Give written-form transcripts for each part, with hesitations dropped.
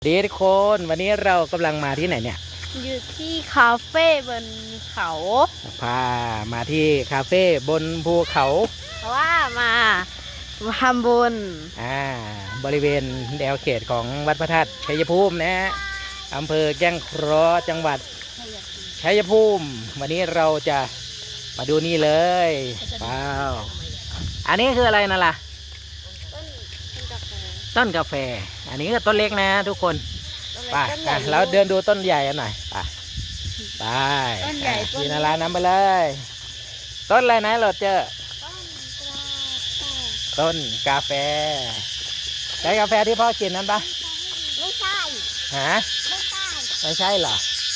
ดีทุกคนวันนี้เรากำลังมาที่ไหนเนี่ยอยู่ที่คาเฟ่บนเขาพามาที่คาเฟ่บนภูเขาเพราะว่ามาทำบุญบริเวณแนวเขตของวัดพระธาตุชัยภูมินะอำเภอแก้งเคราะห์จังหวัดชัยภูมิวันนี้เราจะมาดูนี่เลยว้าวอันนี้คืออะไรนั่นล่ะต้นกาแฟอันนี้ก็ต้นเล็กนะทุกคนไปแล้วเดินดูต้นใหญ่กันหน่อยไปต้นใหญ่กินอะไรน้ำไปเลยต้นอะไรนะเราเจอต้นกาแฟใช่กาแฟที่พ่อกินนั้นปะไม่ใช่ฮะไม่ใช่เหรอ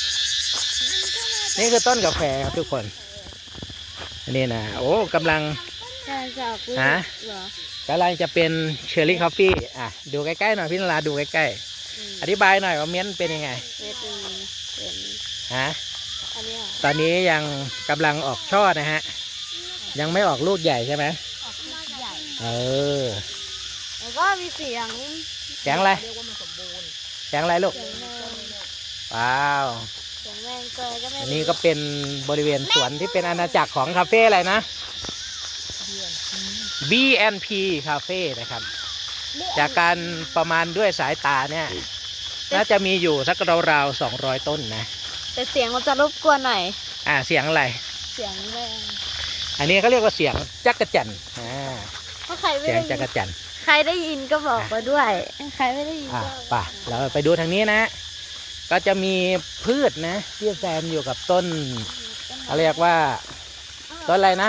นี่คือต้นกาแฟครับทุกคนนี่นะโอ้กำลังฮะกำลังจะเป็นเชอร์รี่คอฟฟี่ดูใกล้ๆหน่อยพี่นราดูใกล้ๆอธิบายหน่อยว่าเม้นเป็นยังไงฮะตอนนี้ยังกำลังออกช่อนะฮะยังไม่ออกลูกใหญ่ใช่ไหมออกลูกใหญ่แล้วก็มีเสียงอะไรเสียงอะไรลูกว้าวอันนี้ก็เป็นบริเวณสวนที่เป็นอาณาจักรของคาเฟ่อะไรนะ B&P คาเฟ่นะครับจากการประมาณด้วยสายตาเนี่ยน่าจะมีอยู่สักราวๆ200 ต้นนะแต่เสียงมันจะรบกวนหน่อยเสียงอะไรเสียงแรงอันนี้เขาเรียกว่าเสียงจักรจั่นเสียงจักรจั่นใครได้ยินก็บอกมาด้วยใครไม่ได้ยินก็ป่ะเราไปดูทางนี้นะก็จะมีพืชนะที่แซมอยู่กับต้นเขาเรียกว่าต้นอะไรนะ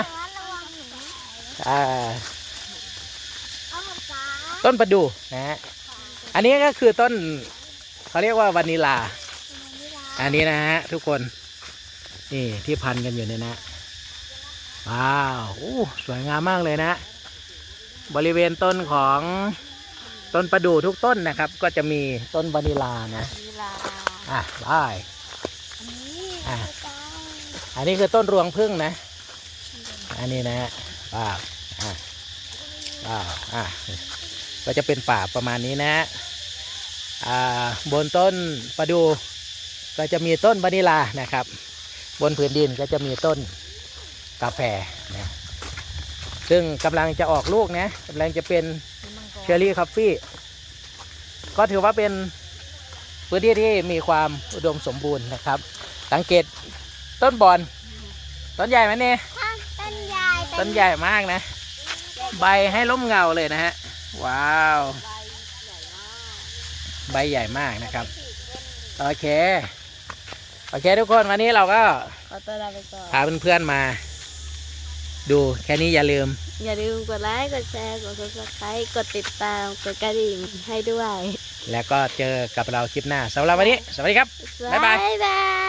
ต้นประดู่นะฮะอันนี้ก็คือต้นเขาเรียกว่าวานิลาอันนี้นะฮะทุกคนนี่ที่พันกันอยู่เนี่ยนะว้าวสวยงามมากเลยนะบริเวณต้นของต้นประดู่ทุกต้นนะครับก็จะมีต้นวานิลานะได้อันนี้คือต้นรวงผึ้งนะอันนี้นะว้าวก็จะเป็นป่าประมาณนี้นะบนต้นประดู่ก็จะมีต้นวานิลานะครับบนผืนดินก็จะมีต้นกาแฟนะซึ่งกำลังจะออกลูกนะกำลังจะเป็นเชอร์รี่คอฟฟี่ก็ถือว่าเป็นพื้นที่ที่มีความอุดมสมบูรณ์นะครับสังเกตต้นบอนต้นใหญ่ไหมเนี่ยต้นใหญ่มากนะใบให้ร่มเงาเลยนะฮะว้าวใบใหญ่มากนะครับโอเคทุกคนวันนี้เราก็พาเพื่อนๆมาดูแค่นี้อย่าลืมกดไลค์กดแชร์กด Subscribe กดติดตามกดกระดิ่งให้ด้วยแล้วก็เจอกับเราคลิปหน้าสำหรับวันนี้สวัสดีครับบ๊ายบาย